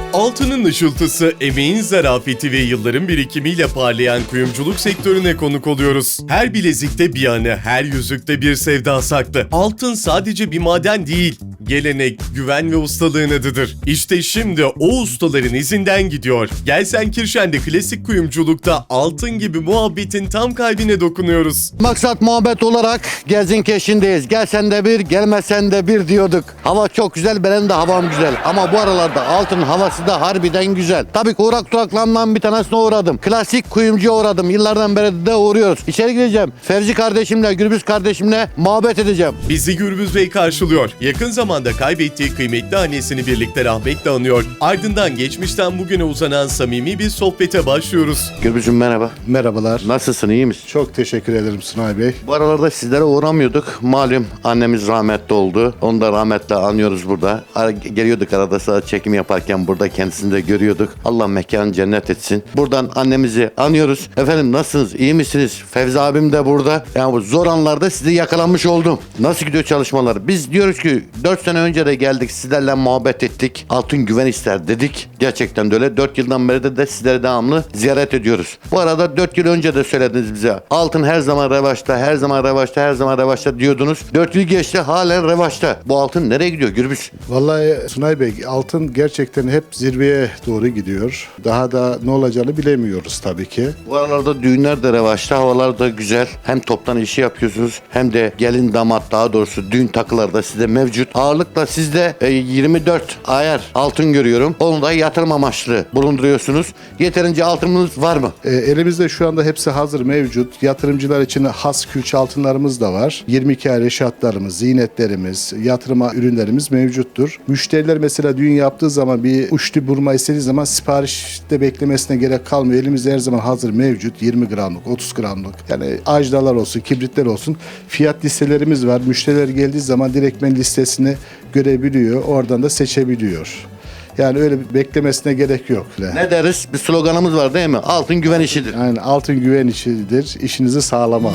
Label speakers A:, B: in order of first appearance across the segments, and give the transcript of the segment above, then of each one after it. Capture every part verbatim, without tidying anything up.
A: Altının ışıltısı, emeğin zarafeti ve yılların birikimiyle parlayan kuyumculuk sektörüne konuk oluyoruz. Her bilezikte bir anı, her yüzükte bir sevda saklı. Altın sadece bir maden değil, gelenek, güven ve ustalığın adıdır. İşte şimdi o ustaların izinden gidiyor. Gelsenkirchen'de klasik kuyumculukta altın gibi muhabbetin tam kalbine dokunuyoruz.
B: Maksat muhabbet olarak Gelsenkirchen'deyiz. Gelsen de bir, gelmesen de bir diyorduk. Hava çok güzel, benim de havam güzel. Ama bu aralarda altın havası da harbiden güzel. Tabii ki uğrak duraklarından bir tanesine uğradım. Klasik kuyumcuya uğradım. Yıllardan beri de uğruyoruz. İçeri gireceğim. Fevzi kardeşimle, Gürbüz kardeşimle muhabbet edeceğim.
A: Bizi Gürbüz Bey karşılıyor. Yakın zamanda kaybettiği kıymetli annesini birlikte rahmetle anıyor. Ardından geçmişten bugüne uzanan samimi bir sohbete başlıyoruz.
B: Gürbüz'üm merhaba.
C: Merhabalar.
B: Nasılsın, iyi misin?
C: Çok teşekkür ederim Sunay Bey.
B: Bu aralarda sizlere uğramıyorduk. Malum annemiz rahmetli oldu. Onu da rahmetle anıyoruz burada. Ara- Geliyorduk arada sırada çekim yaparken burada kendisini de görüyorduk. Allah mekanı cennet etsin. Buradan annemizi anıyoruz. Efendim nasılsınız? İyi misiniz? Fevzi abim de burada. Yani bu zor anlarda sizi yakalamış oldum. Nasıl gidiyor çalışmalar? Biz diyoruz ki dört sene önce de geldik, sizlerle muhabbet ettik. Altın güven ister dedik. Gerçekten de öyle. dört yıldan beri de, de sizleri devamlı ziyaret ediyoruz. Bu arada dört yıl önce de söylediniz bize. Altın her zaman revaçta, her zaman revaçta, her zaman revaçta diyordunuz. dört yıl geçti, halen revaçta. Bu altın nereye gidiyor Gürbüz?
C: Vallahi Sunay Bey, altın gerçekten hep zirveye doğru gidiyor. Daha da ne olacağını bilemiyoruz tabii ki.
B: Bu aralarda düğünler de revaçta, havalar da güzel. Hem toptan işi yapıyorsunuz hem de gelin damat, daha doğrusu düğün takıları da sizde mevcut. Ağırlıkla sizde e, yirmi dört ayar altın görüyorum. Onu da yatırım amaçlı bulunduruyorsunuz. Yeterince altınınız var mı?
C: E, elimizde şu anda hepsi hazır mevcut. Yatırımcılar için has külçe altınlarımız da var. yirmi iki ay reşatlarımız, ziynetlerimiz, yatırıma ürünlerimiz mevcuttur. Müşteriler mesela düğün yaptığı zaman bir uçlu burma istediği zaman siparişte beklemesine gerek kalmıyor. Elimizde her zaman hazır mevcut. yirmi gramlık, otuz gramlık. Yani ajdalar olsun, kibritler olsun. Fiyat listelerimiz var. Müşteriler geldiği zaman direktmen listesini görebiliyor. Oradan da seçebiliyor. Yani öyle beklemesine gerek yok.
B: Ne deriz? Bir sloganımız var değil mi? Altın güven işidir.
C: Yani altın güven işidir. İşinizi sağlamalı.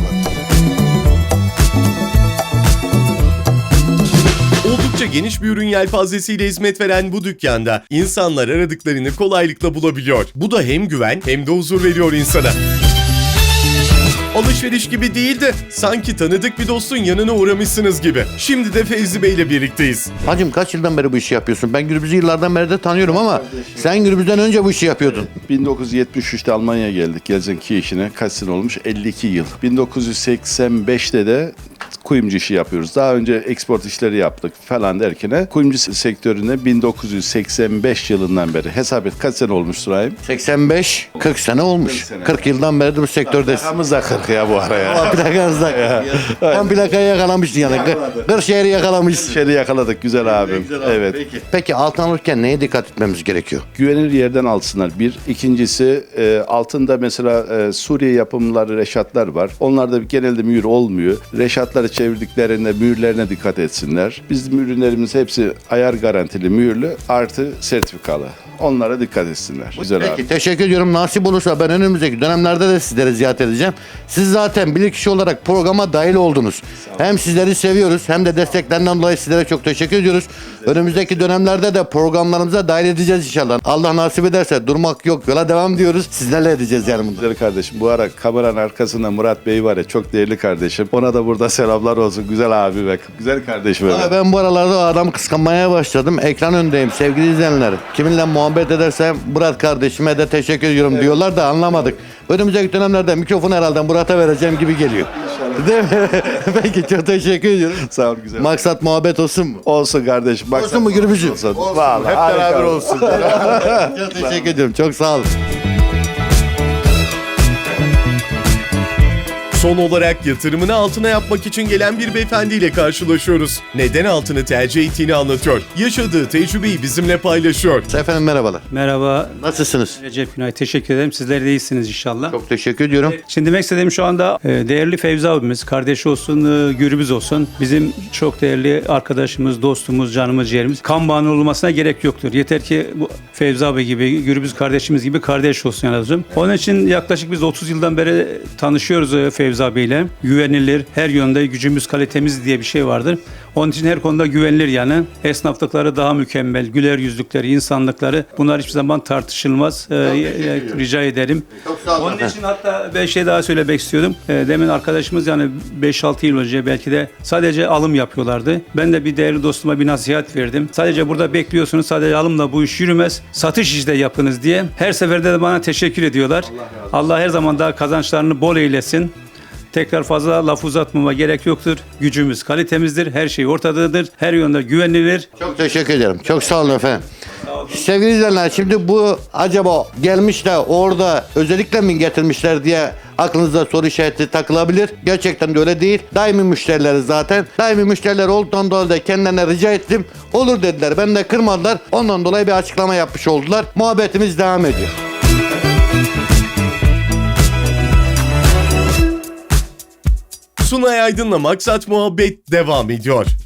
A: Oldukça geniş bir ürün yelpazesiyle hizmet veren bu dükkanda insanlar aradıklarını kolaylıkla bulabiliyor. Bu da hem güven hem de huzur veriyor insana. Alışveriş gibi değil de sanki tanıdık bir dostun yanına uğramışsınız gibi. Şimdi de Fevzi Bey ile birlikteyiz.
B: Hacım kaç yıldan beri bu işi yapıyorsun? Ben Gürbüz'ü yıllardan beri de tanıyorum ama sen Gürbüz'den önce bu işi yapıyordun.
D: bin dokuz yüz yetmiş üçte Almanya'ya geldik. Gelsenkirchen'e kaç sene olmuş? elli iki yıl. bin dokuz yüz seksen beşte de kuyumcu işi yapıyoruz. Daha önce export işleri yaptık falan derken kuyumcu sektörüne bin dokuz yüz seksen beş yılından beri hesap et kaç sene olmuş Surayim?
B: seksen beş kırk sene olmuş.
D: kırk sene.
B: kırk yıldan beri de bu sektördesin.
D: Rakamız da kırk ya bu ara ya.
B: Ama plakanızda. Tam plakayı yakalamıştın yani. Kırşehir'i yakalamışsın.
D: Şeyi yakaladık güzel abim. Evet.
B: Peki. Peki altın alırken neye dikkat etmemiz gerekiyor?
D: Güvenilir yerden alsınlar. Bir. İkincisi e, altında mesela e, Suriye yapımları reşatlar var. Onlarda genelde mühür olmuyor. Reşatları çevirdiklerinde mühürlerine dikkat etsinler. Bizim ürünlerimiz hepsi ayar garantili mühürlü artı sertifikalı. Onlara dikkat etsinler. Güzel
B: Peki
D: abi.
B: teşekkür ediyorum. Nasip olursa ben önümüzdeki dönemlerde de sizleri ziyaret edeceğim. Siz zaten bilirkişi olarak programa dahil oldunuz. Hem sizleri seviyoruz hem de desteklerinden dolayı sizlere çok teşekkür ediyoruz. Önümüzdeki dönemlerde de programlarımıza dahil edeceğiz inşallah. Allah nasip ederse durmak yok, yola devam diyoruz. Sizlerle edeceğiz yani bunu.
D: Güzel kardeşim. Bu ara kameranın arkasında Murat Bey var ya çok değerli kardeşim. Ona da burada selamlar olsun. Güzel abi ve güzel kardeşim.
B: Ama
D: Evet.
B: ben bu aralarda o adamı kıskanmaya başladım. Ekran önündeyim sevgili izleyenler. Kiminle muhabbet edersem Murat kardeşime de teşekkür ediyorum diyorlar da anlamadık. Önümüzdeki dönemlerde mikrofonu herhalde Murat'a vereceğim gibi geliyor. Değil mi? Peki çok teşekkür ediyorum.
D: Sağ ol güzel.
B: Maksat muhabbet olsun mu?
D: Olsun kardeşim. Bak
B: Olsun mu Gürbüz'üm?
D: Olsun.
B: Olsun.
D: Vallahi,
C: Hep
D: harika.
C: beraber olsun.
B: Çok teşekkür ediyorum. Çok sağ olun.
A: Son olarak yatırımını altına yapmak için gelen bir beyefendiyle karşılaşıyoruz. Neden altını tercih ettiğini anlatıyor. Yaşadığı tecrübeyi bizimle paylaşıyor.
B: Efendim merhabalar.
E: Merhaba
B: Nasılsınız?
E: Recep Günay, teşekkür ederim. Sizler de iyisiniz inşallah.
B: Çok teşekkür ediyorum.
E: Şimdi demek istediğim şu anda e, değerli Fevzi abimiz, kardeşi olsun, e, Gürbüz olsun. Bizim çok değerli arkadaşımız, dostumuz, canımız, ciğerimiz. Kan bağının olmasına gerek yoktur. Yeter ki bu Fevzi abi gibi, Gürbüz kardeşimiz gibi kardeş olsun yani. Onun için yaklaşık biz otuz yıldan beri tanışıyoruz e, Fevzi Fevzi abiyle. Güvenilir, her yönde gücümüz kalitemiz diye bir şey vardır. Onun için her konuda güvenilir yani. Esnaflıkları daha mükemmel, güler yüzlükleri, insanlıkları bunlar hiçbir zaman tartışılmaz. Ee, e, rica ederim.
B: Çok sağ olun
E: Onun
B: efendim.
E: için hatta bir şey daha söylemek istiyordum. Ee, demin arkadaşımız yani beş altı yıl önce belki de sadece alım yapıyorlardı. Ben de bir değerli dostuma bir nasihat verdim. Sadece burada bekliyorsunuz, sadece alımla bu iş yürümez. Satış işte yapınız diye. Her seferde de bana teşekkür ediyorlar. Allah, Allah her zaman daha kazançlarını bol eylesin. Tekrar fazla laf uzatmama gerek yoktur. Gücümüz, kalitemizdir. Her şey ortadadır. Her yönde güvenilir.
B: Çok teşekkür ederim. Çok sağ olun efendim. Sevgili izleyenler, şimdi bu acaba gelmiş de orada özellikle mi getirmişler diye aklınızda soru işareti takılabilir. Gerçekten de öyle değil. Daimi müşterileri zaten. Daimi müşteriler olduğundan dolayı da kendilerine rica ettim. Olur dediler. Ben de kırmadılar. Ondan dolayı bir açıklama yapmış oldular. Muhabbetimiz devam ediyor.
A: Sunay Aydın'la Maksat Muhabbet devam ediyor.